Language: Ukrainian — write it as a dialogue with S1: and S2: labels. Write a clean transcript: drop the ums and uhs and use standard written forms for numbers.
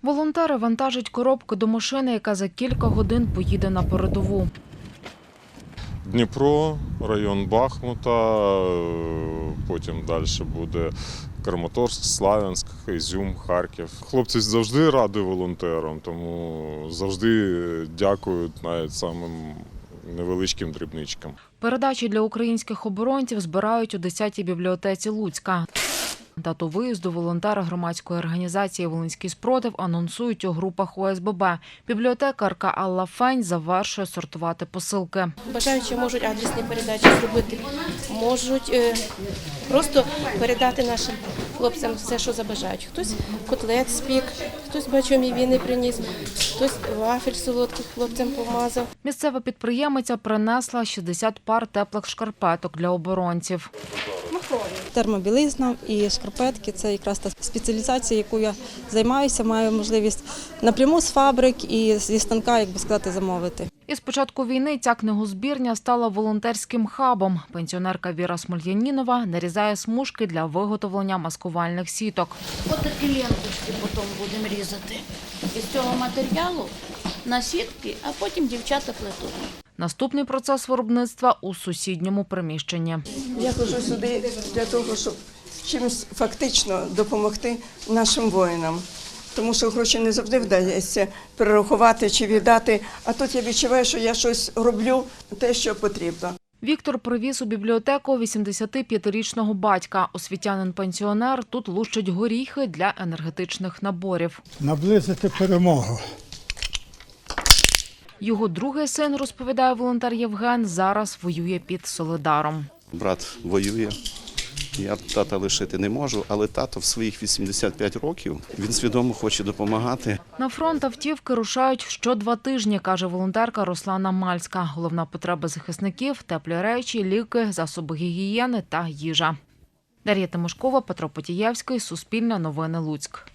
S1: Волонтери вантажать коробки до машини, яка за кілька годин поїде на передову.
S2: Дніпро, район Бахмута, потім далі буде Краматорськ, Слов'янськ, Ізюм, Харків. Хлопці завжди раді волонтерам, тому завжди дякують навіть самим невеличким дрібничкам.
S1: Передачі для українських оборонців збирають у 10-й бібліотеці Луцька. Дату виїзду волонтери громадської організації «Волинський спротив» анонсують у групах ОСББ. Бібліотекарка Алла Фень завершує сортувати посилки.
S3: Бажаючі можуть адресні передачі зробити, можуть просто передати нашим хлопцям все, що забажають. Хтось котлет спік, хтось бачу віни приніс, хтось вафель солодких хлопцям помазав.
S1: Місцева підприємиця принесла 60 пар теплих шкарпеток для оборонців.
S4: Термобілизна і шкарпетки – це якраз та спеціалізація, яку я займаюся, маю можливість напряму з фабрик і зі станка, як би сказати, замовити.
S1: Із початку війни ця книгозбірня стала волонтерським хабом. Пенсіонерка Віра Смольянінова нарізає смужки для виготовлення маскувальних сіток.
S5: Ось такі ленточки потім будемо різати із цього матеріалу на сітки, а потім дівчата плетуть.
S1: Наступний процес виробництва у сусідньому приміщенні.
S6: Я ходжу сюди для того, щоб чимось фактично допомогти нашим воїнам. Тому що гроші не завжди вдається перерахувати чи віддати, а тут я відчуваю, що я щось роблю, те, що потрібно.
S1: Віктор привіз у бібліотеку 85-річного батька. Освітянин-пенсіонер тут лущить горіхи для енергетичних наборів.
S7: Наблизити перемогу.
S1: Його другий син, розповідає волонтер Євген, зараз воює під Солидаром.
S8: Брат воює, я тата лишити не можу, але тато в своїх 85 років, він свідомо хоче допомагати.
S1: На фронт автівки рушають що 2 тижні, каже волонтерка Руслана Мальська. Головна потреба захисників – теплі речі, ліки, засоби гігієни та їжа. Дар'я Тимошкова, Петро Потієвський, Суспільне новини Луцьк.